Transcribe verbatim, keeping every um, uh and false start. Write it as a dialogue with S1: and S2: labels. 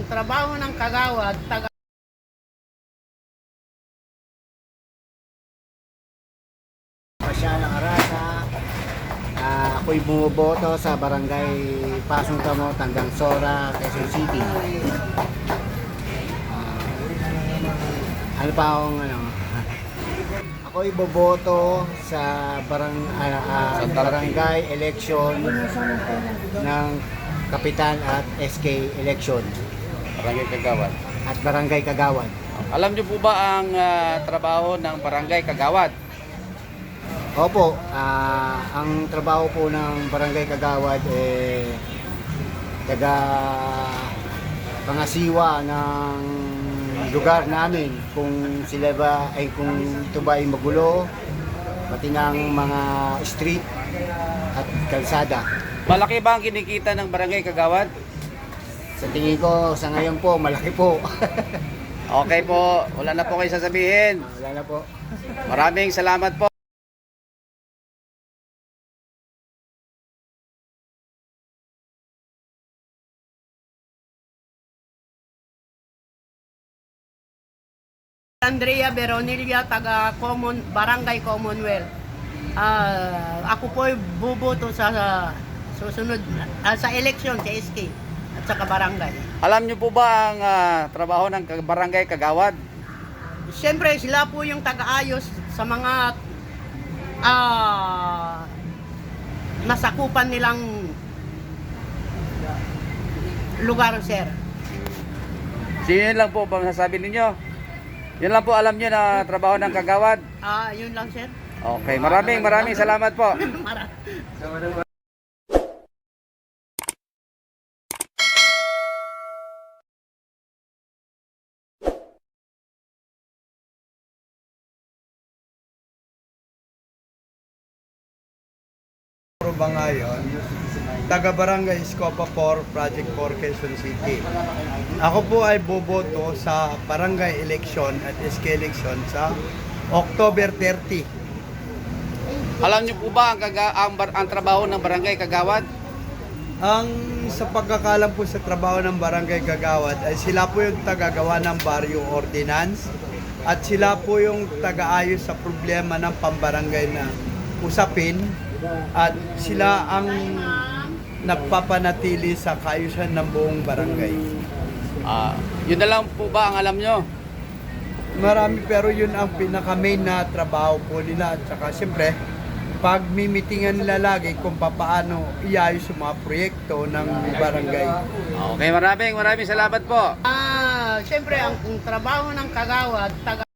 S1: trabaho ng kagawad, taga
S2: Pasyalang Arasa. Ah, ako'y bumuboto sa barangay Pasong Tamo, Tanggang Sora, Quezon City. Ah, ano pa akong ano? Ako'y boboto sa barang, ah, ah, barangay election ng Kapitan at S K election
S3: Barangay Kagawad.
S2: at Barangay Kagawad.
S3: Alam niyo po ba ang ah, trabaho ng Barangay Kagawad?
S2: Opo, ah, ang trabaho po ng Barangay Kagawad eh taga pangasiwa ng lugar namin kung sila ba ay kung ito ba ay magulo pati ng mga street at kalsada.
S3: Malaki ba ang kinikita ng Barangay Kagawad?
S2: Sa tingin ko sa ngayon po malaki po.
S3: Okay po, wala na po kayo sasabihin.
S2: Wala na po.
S3: Maraming salamat po.
S1: Andrea Veronilla, taga Common, Barangay Commonwealth. Ah, ako po ay buboto sa susunod ah, sa election sa S K at saka barangay.
S3: Alam niyo po ba ang ah, trabaho ng Kag- Barangay Kagawad?
S1: Siyempre, sila po yung taga-ayos sa mga ah, nasakupan nilang lugar, sir.
S3: Sino yun lang po ba masasabi ninyo? Yun lang po alam niyo na trabaho ng Kagawad.
S1: Ah, yun lang, sir.
S3: Okay, maraming maraming salamat po.
S1: Mara-
S4: ba ngayon, taga Barangay Escopa four, Project four, Quezon City. Ako po ay boboto sa barangay election at S K election sa October thirty.
S3: Alam niyo po ba ang, kaga, ang, bar- ang trabaho ng Barangay Kagawad?
S4: Ang sa pagkakalam po sa trabaho ng barangay Kagawad ay sila po yung tagagawa ng barrio ordinance at sila po yung tagaayos sa problema ng pambarangay na usapin at sila ang nagpapanatili sa kaayusan ng buong barangay.
S3: Ah, yun na lang po ba ang alam niyo?
S4: Marami pero yun ang pinaka-main na trabaho po nila at saka siyempre pag mimitingan nila lagi kung paano iayos yung mga proyekto ng barangay.
S3: Okay, maraming maraming salamat po.
S1: Ah, siyempre ang, ang trabaho ng kagawad, taga